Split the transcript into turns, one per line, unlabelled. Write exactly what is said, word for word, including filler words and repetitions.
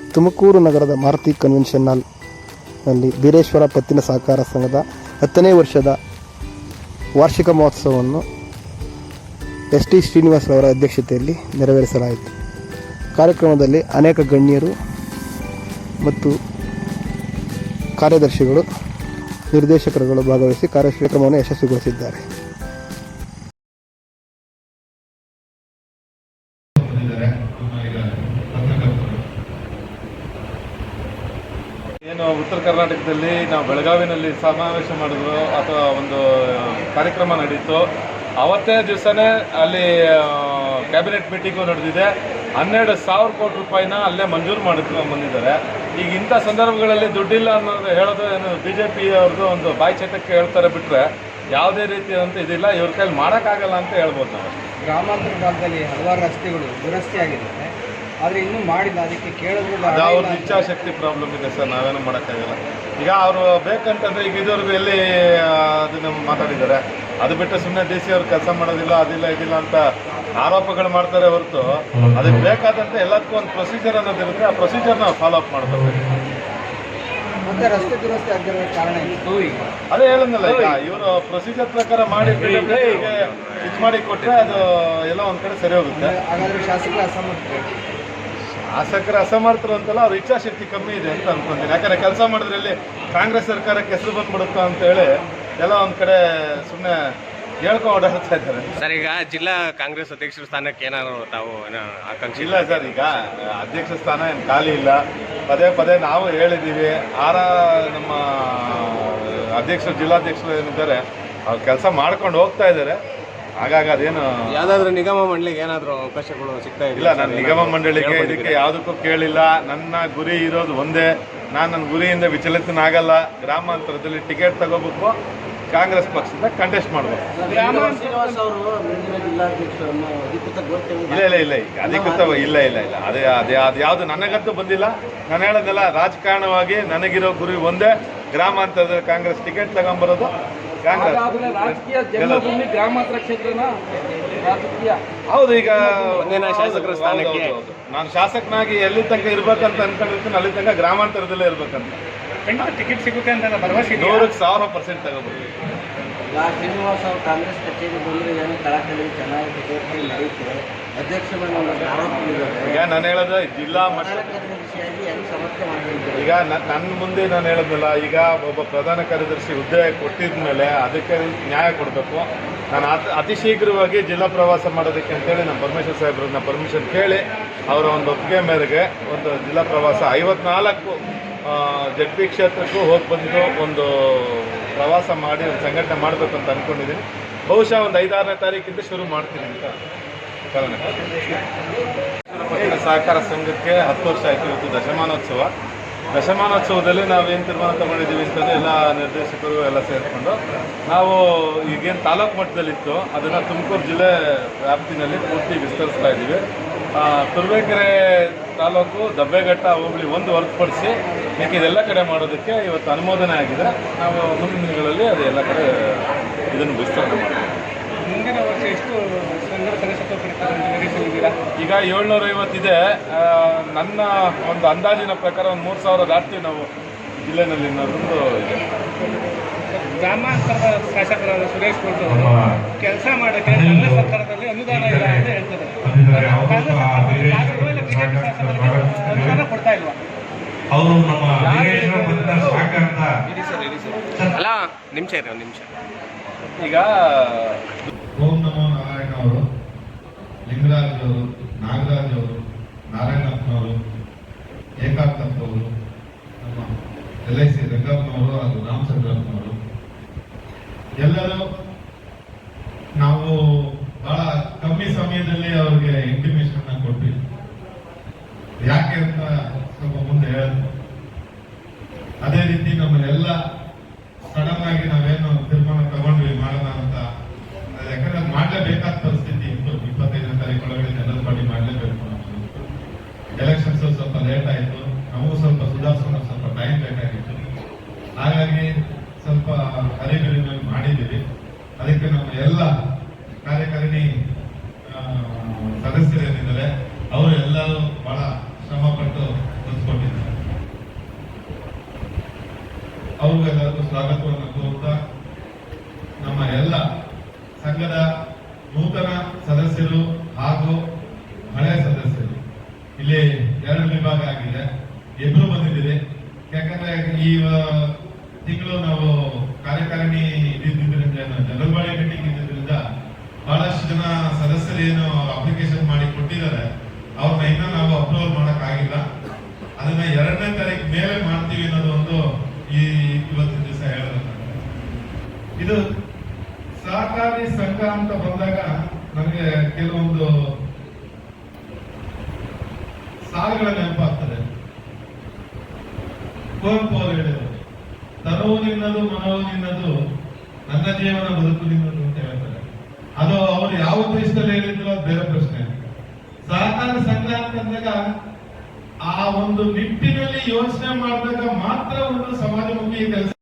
ತುಮಕೂರು ನಗರದ ಮಾರುತಿ ಕನ್ವೆನ್ಷನ್ ಹಾಲ್ನಲ್ಲಿ ಬೀರೇಶ್ವರ ಪತ್ತಿನ ಸಹಕಾರ ಸಂಘದ ಹತ್ತನೇ ವರ್ಷದ ವಾರ್ಷಿಕ ಮಹೋತ್ಸವವನ್ನು ಎಸ್ ಟಿ ಶ್ರೀನಿವಾಸರವರ ಅಧ್ಯಕ್ಷತೆಯಲ್ಲಿ ನೆರವೇರಿಸಲಾಯಿತು. ಕಾರ್ಯಕ್ರಮದಲ್ಲಿ ಅನೇಕ ಗಣ್ಯರು ಮತ್ತು ಕಾರ್ಯದರ್ಶಿಗಳು, ನಿರ್ದೇಶಕರುಗಳು ಭಾಗವಹಿಸಿ ಕಾರ್ಯಕ್ರಮವನ್ನು ಯಶಸ್ವಿಗೊಳಿಸಿದ್ದಾರೆ.
ಏನು ಉತ್ತರ ಕರ್ನಾಟಕದಲ್ಲಿ ನಾವು ಬೆಳಗಾವಿನಲ್ಲಿ ಸಮಾವೇಶ ಮಾಡಿದ್ರು ಅಥವಾ ಒಂದು ಕಾರ್ಯಕ್ರಮ ನಡೀತು, ಅವತ್ತೇ ದಿವಸನೇ ಅಲ್ಲಿ ಕ್ಯಾಬಿನೆಟ್ ಮೀಟಿಂಗು ನಡೆದಿದೆ. ಹನ್ನೆರಡು ಸಾವಿರ ಕೋಟಿ ರೂಪಾಯಿನ ಅಲ್ಲೇ ಮಂಜೂರು ಮಾಡಿಕೊಂಡು ಬಂದಿದ್ದಾರೆ. ಈಗ ಇಂಥ ಸಂದರ್ಭಗಳಲ್ಲಿ ದುಡ್ಡಿಲ್ಲ ಅನ್ನೋದು ಹೇಳೋದು ಏನು ಬಿ ಜೆ ಪಿ ಅವ್ರದ್ದು ಒಂದು ಬಾಯಿ ಚಟಕ್ಕೆ ಹೇಳ್ತಾರೆ ಬಿಟ್ಟರೆ ಯಾವುದೇ ರೀತಿಯಾದಂಥ ಇದಿಲ್ಲ. ಇವ್ರ ಕೈಲಿ ಮಾಡೋಕ್ಕಾಗಲ್ಲ ಅಂತ ಹೇಳ್ಬೋದು ನಾವು.
ಗ್ರಾಮಾಂತರ ಭಾಗದಲ್ಲಿ ಹಲವಾರು ರಸ್ತೆಗಳು ದುರಸ್ತಿ ಆಗಿದ್ದಾವೆ, ಆದರೆ ಇನ್ನೂ ಮಾಡಿಲ್ಲ. ಅದಕ್ಕೆ ಕೇಳಿದ್ರು
ಅದು ಅವ್ರದ್ದು ಇಚ್ಛಾಶಕ್ತಿ ಪ್ರಾಬ್ಲಮ್ ಇದೆ ಸರ್, ನಾವೇನು ಮಾಡೋಕ್ಕಾಗಲ್ಲ. ಈಗ ಅವರು ಬೇಕಂತಂದರೆ ಈಗ ಇದುವರೆಗೂ ಎಲ್ಲಿ ಅದನ್ನು ಮಾತಾಡಿದ್ದಾರೆ. ಅದು ಬಿಟ್ಟು ಸುಮ್ಮನೆ ಡಿ ಸಿ ಅವ್ರು ಕೆಲಸ ಮಾಡೋದಿಲ್ಲ, ಅದಿಲ್ಲ ಇದಿಲ್ಲ ಅಂತ ಆರೋಪಗಳು ಮಾಡ್ತಾರೆ ಹೊರತು ಅದಕ್ಕೆ ಬೇಕಾದಂತೆ ಎಲ್ಲದಕ್ಕೂ ಒಂದು ಪ್ರೊಸೀಜರ್ ಅನ್ನೋದಿರುತ್ತೆ. ಆ ಪ್ರೊಸೀಜರ್ ನಾವು ಫಾಲೋ ಅಪ್ ಮಾಡಬೇಕು.
ಮತ್ತೆ ರಸ್ತೆ ದುರಸ್ತಿ ಆಗಿರೋ ಕಾರಣ ಇತ್ತು. ಈಗ
ಅದೇ ಹೇಳಿದ್ನಲ್ಲ, ಈಗ ಇವರು ಪ್ರೊಸೀಜರ್ ಪ್ರಕಾರ ಮಾಡಿ ಇದು ಮಾಡಿ ಕೊಟ್ಟರೆ ಅದು ಎಲ್ಲ ಒಂದು ಕಡೆ ಸರಿ ಹೋಗುತ್ತೆ.
ಹಾಗಾದರೆ ಶಾಸಕರ ಅಸಮರ್ಥ
ಶಾಸಕರ ಅಸಮರ್ಥರು ಅಂತಲ್ಲ, ಅವ್ರ ಇಚ್ಛಾಶಕ್ತಿ ಕಮ್ಮಿ ಇದೆ ಅಂತ ಅನ್ಕೊಂತೀನಿ. ಯಾಕಂದರೆ ಕೆಲಸ ಮಾಡಿದ್ರಲ್ಲಿ ಕಾಂಗ್ರೆಸ್ ಸರ್ಕಾರಕ್ಕೆ ಹೆಸರು ಬಂದ್ಬಿಡುತ್ತಾ ಅಂತೇಳಿ ಎಲ್ಲ ಒಂದು ಕಡೆ ಸುಮ್ಮನೆ ಹೇಳ್ಕೊಂಡು ಓಡಾಡ್ತಾ ಇದ್ದಾರೆ
ಸರ್. ಈಗ ಜಿಲ್ಲಾ ಕಾಂಗ್ರೆಸ್ ಅಧ್ಯಕ್ಷರ ಸ್ಥಾನಕ್ಕೆ ಏನಾದ್ರು ತಾವು ಆಕಾಂಕ್ಷೆ
ಇಲ್ಲ ಸರ್. ಈಗ ಅಧ್ಯಕ್ಷ ಸ್ಥಾನ ಏನು ಖಾಲಿ ಇಲ್ಲ. ಪದೇ ಪದೇ ನಾವು ಹೇಳಿದ್ದೀವಿ. ಆರ ನಮ್ಮ ಅಧ್ಯಕ್ಷರು, ಜಿಲ್ಲಾಧ್ಯಕ್ಷರು ಏನಿದ್ದಾರೆ ಅವ್ರು ಕೆಲಸ ಮಾಡ್ಕೊಂಡು ಹೋಗ್ತಾ ಇದ್ದಾರೆ. ಹಾಗಾಗಿ ಅದೇನು
ಯಾವುದಾದ್ರೂ ನಿಗಮ ಮಂಡಳಿಗೆ ಏನಾದರೂ ಅವಕಾಶಗಳು ಸಿಗ್ತಾ
ಇಲ್ಲ. ನಾನು ನಿಗಮ ಮಂಡಳಿಗೆ ಇದಕ್ಕೆ ಯಾವುದಕ್ಕೂ ಕೇಳಿಲ್ಲ. ನನ್ನ ಗುರಿ ಇರೋದು ಒಂದೇ, ನಾನು ನನ್ನ ಗುರಿಯಿಂದ ವಿಚಲಿತನಾಗಲ್ಲ. ಗ್ರಾಮಾಂತರದಲ್ಲಿ ಟಿಕೆಟ್ ತಗೋಬೇಕು, ಕಾಂಗ್ರೆಸ್ ಪಕ್ಷದಿಂದ ಕಂಟೆಸ್ಟ್ ಮಾಡಬೇಕು. ಇಲ್ಲ ಇಲ್ಲ ಇಲ್ಲ ಈಗ ಅಧಿಕೃತ ಇಲ್ಲ ಇಲ್ಲ ಇಲ್ಲ ಅದೇ ಅದೇ ಅದು ಯಾವುದು ನನಗಂತೂ ಬಂದಿಲ್ಲ. ನಾನು ಹೇಳೋದಲ್ಲ, ರಾಜಕಾರಣವಾಗಿ ನನಗಿರೋ ಗುರಿ ಒಂದೇ, ಗ್ರಾಮಾಂತರದಲ್ಲಿ ಕಾಂಗ್ರೆಸ್ ಟಿಕೆಟ್ ತಗೊಂಬರೋದು. ಕಾಂಗ್ರೆಸ್
ಗ್ರಾಮಾಂತರ ಕ್ಷೇತ್ರನ
ಹೌದು. ಈಗ
ಶಾಸಕರ ಸ್ಥಾನಕ್ಕೆ
ನಾನು ಶಾಸಕನಾಗಿ ಎಲ್ಲಿ ತನಕ ಇರ್ಬೇಕಂತ ಅನ್ಕೊಂಡಿರ್ತೀನಿ, ಅಲ್ಲಿ ತನಕ ಗ್ರಾಮಾಂತರದಲ್ಲೇ ಇರ್ಬೇಕಂತ.
ಟಿಕೆಟ್ ಸಿಗುತ್ತೆ ಅಂತ ಭರವಸೆ
ನೂರಕ್ಕೆ ಸಾವಿರ ಪರ್ಸೆಂಟ್ ತಗೋಬೋದು.
ಶ್ರೀನಿವಾಸ್ ಅವರು ಕಾಂಗ್ರೆಸ್ ಕಚೇರಿ ಬಂದರೆ ಏನು ಕಳಕಳಿ ಚೆನ್ನಾಗಿ ನಡೆಯುತ್ತೆ. ಅಧ್ಯಕ್ಷರು ಆರೋಪ
ಈಗ ನಾನು ಹೇಳೋದು ಜಿಲ್ಲಾ ಮಟ್ಟ ಈಗ ನನ್ನ ಮುಂದೆ ನಾನು ಹೇಳೋದಿಲ್ಲ. ಈಗ ಒಬ್ಬ ಪ್ರಧಾನ ಕಾರ್ಯದರ್ಶಿ ಹುದ್ದೆ ಕೊಟ್ಟಿದ ಮೇಲೆ ಅದಕ್ಕೆ ನ್ಯಾಯ ಕೊಡಬೇಕು. ನಾನು ಅತಿ ಅತಿ ಶೀಘ್ರವಾಗಿ ಜಿಲ್ಲಾ ಪ್ರವಾಸ ಮಾಡೋದಕ್ಕೆ ಅಂತೇಳಿ ನಮ್ಮ ಪರಮೇಶ್ವರ್ ಸಾಹೇಬ್ರನ್ನ ಪರ್ಮಿಷನ್ ಕೇಳಿ ಅವರ ಒಂದು ಒಪ್ಪಿಗೆ ಮೇರೆಗೆ ಒಂದು ಜಿಲ್ಲಾ ಪ್ರವಾಸ ಐವತ್ನಾಲ್ಕು ಜಡ್ ಪಿ ಕ್ಷೇತ್ರಕ್ಕೂ ಹೋಗಿ ಬಂದು ಒಂದು ಪ್ರವಾಸ ಮಾಡಿ ಒಂದು ಸಂಘಟನೆ ಮಾಡಬೇಕು ಅಂತ ಅಂದ್ಕೊಂಡಿದ್ದೀನಿ. ಬಹುಶಃ ಒಂದು ಐದಾರನೇ ತಾರೀಕಿಂದ ಶುರು ಮಾಡ್ತೀನಿ ಅಂತ ಕಾರಣ. ಸಹಕಾರ ಸಂಘಕ್ಕೆ ಹತ್ತು ವರ್ಷ ಆಯಿತು. ಇವತ್ತು ದಶಮಾನೋತ್ಸವ. ದಶಮಾನೋತ್ಸವದಲ್ಲಿ ನಾವೇನು ತೀರ್ಮಾನ ತಗೊಂಡಿದ್ದೀವಿ ಅಂತಂದರೆ ಎಲ್ಲ ನಿರ್ದೇಶಕರು ಎಲ್ಲ ಸೇರಿಕೊಂಡು ನಾವು ಈಗೇನು ತಾಲೂಕು ಮಟ್ಟದಲ್ಲಿತ್ತು ಅದನ್ನು ತುಮಕೂರು ಜಿಲ್ಲೆ ವ್ಯಾಪ್ತಿನಲ್ಲಿ ಪೂರ್ತಿ ವಿಸ್ತರಿಸ್ತಾ ಇದ್ದೀವಿ. ತುರುವೇಕೆರೆ ತಾಲೂಕು, ದಬ್ಬೆಘಟ್ಟ ಹೋಬಳಿ ಒಂದು ಹೊರತುಪಡಿಸಿ ಯಾಕೆ ಇದೆಲ್ಲ ಕಡೆ ಮಾಡೋದಕ್ಕೆ ಇವತ್ತು ಅನುಮೋದನೆ ಆಗಿದೆ. ನಾವು ಮುಂದಿನ ದಿನಗಳಲ್ಲಿ ಅದು ಎಲ್ಲ ಕಡೆ ಇದನ್ನು ವಿಸ್ತರಣೆ ಮಾಡ್ತೀವಿ.
ಮುಂದಿನ ವರ್ಷ ಎಷ್ಟು ಸಂಘದ ಸದಸ್ಯತ್ವ
ಈಗ ಏಳ್ನೂರ ಐವತ್ತಿದೆ. ನನ್ನ ಒಂದು ಅಂದಾಜಿನ ಪ್ರಕಾರ ಒಂದು ಮೂರು ಸಾವಿರ ದಾಟ್ತೀವಿ ನಾವು ಜಿಲ್ಲೆನಲ್ಲಿ ಅನ್ನೋದೊಂದು ಇದೆ.
ಗ್ರಾಮಾಂತರದ ಶಾಸಕರಾದ ಸುರೇಶ್ ಗೌಡ್ರು ಕೆಲಸ ಮಾಡೋಕ್ಕೆ ಕಾಂಗ್ರೆಸ್ ಸರ್ಕಾರದಲ್ಲಿ ಅನುದಾನ ಇಲ್ಲ ಅಂತ ಹೇಳ್ತಾರೆ. ಅನುದಾನ ಕೊಡ್ತಾ ಇಲ್ವಾ?
ಅವರು ನಮ್ಮ
ಅಲ್ಲ ನಿಮಿಷ ಇರಿ ಒಂದು ನಿಮಿಷ.
ಈಗ
ಓಂ ನಮೋ ನಾರಾಯಣ ಅವರು, ಲಿಂಗರಾಜ್ ಅವರು, ನಾಗರಾಜ್ ಅವರು, ನಾರಾಯಣಪ್ಪನವರು, ಏಕಾಂತಪ್ಪವರು, ನಮ್ಮ ಎಲ್ ಐ ಸಿ ರಂಗಪ್ಪನವರು ಹಾಗೂ ರಾಮಚಂದ್ರಪ್ಪನವರು ಎಲ್ಲರೂ ನಾವು ಬಹಳ ಕಮ್ಮಿ ಸಮಯದಲ್ಲಿ ಅವ್ರಿಗೆ ಇಂಟಿಮೇಷನ್ ಕೊಟ್ವಿ. ಯಾಕೆ ಅಂತ ಸ್ವಲ್ಪ ಮುಂದೆ ಹೇಳಿದ್ರು. ಅದೇ ರೀತಿ ನಮ್ಮನ್ನೆಲ್ಲ ಸಡನ್ ಆಗಿ ನಾವೇನು ತೀರ್ಮಾನ ತಗೊಂಡ್ವಿ ಮಾಡೋಣ ಅಂತ. ಯಾಕಂದ್ರೆ ಮಾಡಲೇಬೇಕಾದ ಪರಿಸ್ಥಿತಿ ಇತ್ತು. ಇಪ್ಪತ್ತೈದನೇ ತಾರೀಕು ಒಳಗಡೆ ಜನರಲ್ ಬಾಡಿ ಮಾಡಲೇಬೇಕು. ಎಲೆಕ್ಷನ್ಸ್ ಸ್ವಲ್ಪ ಲೇಟ್ ಆಯಿತು. ನಮಗೂ ಸ್ವಲ್ಪ ಸುಧಾರಿಸೋಣ ಸ್ವಲ್ಪ ಟೈಮ್ ಬೇಕಾಗಿತ್ತು. ಹಾಗಾಗಿ ಸ್ವಲ್ಪ ಹರಿಬಿರಿನಲ್ಲಿ ಮಾಡಿದ್ದೀವಿ. ಅದಕ್ಕೆ ನಮ್ಮ ಎಲ್ಲ ಕಾರ್ಯಕಾರಿಣಿ ಸದಸ್ಯರೇನಿದ್ದಾರೆ ಅವರು ಎಲ್ಲರೂ ಬಹಳ ಶ್ರಮ ಪಟ್ಟು ಹೊಂದ್ಕೊಂಡಿದ್ದಾರೆ. ಅವ್ರಿಗೆಲ್ಲರಿಗೂ ಸ್ವಾಗತವನ್ನು ಕೋರುತ್ತಾ ನಮ್ಮ ಎಲ್ಲ ಸಂಘದ ನೂತನ ಸದಸ್ಯರು ಹಾಗೂ ಹಳೆಯ ಸದಸ್ಯರು ಇಲ್ಲಿ ಎರಡು ವಿಭಾಗ ಆಗಿದೆ, ಇಬ್ರು ಬಂದಿದ್ದೀರಿ. ಯಾಕಂದ್ರೆ ಈ ತಿಂಗಳು ನಾವು ಕಾರ್ಯಕಾರಿಣಿ ಇದ್ದಿದ್ದರಿಂದ ಜನರಲ್ ಮೀಟಿಂಗ್ ಇದ್ದಿದ್ದರಿಂದ ಬಹಳಷ್ಟು ಜನ ಸದಸ್ಯರು ಏನು ಅಪ್ಲಿಕೇಶನ್ ಮಾಡಿ ಕೊಟ್ಟಿದ್ದಾರೆ ಅವ್ರನ್ನ ಇನ್ನೂ ನಾವು ಅಪ್ರೂವಲ್ ಮಾಡಕ್ ಆಗಿಲ್ಲ. ಅದನ್ನ ಎರಡನೇ ತಾರೀಕು ಮೇಲೆ ಮಾಡ್ತೀವಿ ಅನ್ನೋದು ಒಂದು ಈ ಇವತ್ತಿನ ದಿವಸ ಹೇಳೋದಕ್ಕೆ. ಇದು ಸಹಕಾರಿ ಸಂಘ ಅಂತ ಬಂದಾಗ ನನಗೆ ಕೆಲವೊಂದು ಸಾಲುಗಳ ನೆನಪಾಗ್ತದೆ. ಕುವೆಂಪು ಅವರು ಹೇಳಿದರು, ತನುವು ನಿನ್ನದು ಮನವು ನಿನ್ನದು, ನನ್ನ ಜೀವನ ಬದುಕು ನಿನ್ನದು ಅಂತ ಹೇಳ್ತಾರೆ. ಅದು ಅವರು ಯಾವ ಉದ್ದೇಶದಲ್ಲಿ ಹೇಳಿದ್ರು ಅದು ಬೇರೆ ಪ್ರಶ್ನೆ. ಸಹಕಾರ ಸಂಘ ಅಂತಂದಾಗ ಆ ಒಂದು ನಿಟ್ಟಿನಲ್ಲಿ ಯೋಚನೆ ಮಾಡಿದಾಗ ಮಾತ್ರ ಒಂದು ಸಮಾಜಮುಖಿ ಕೆಲಸ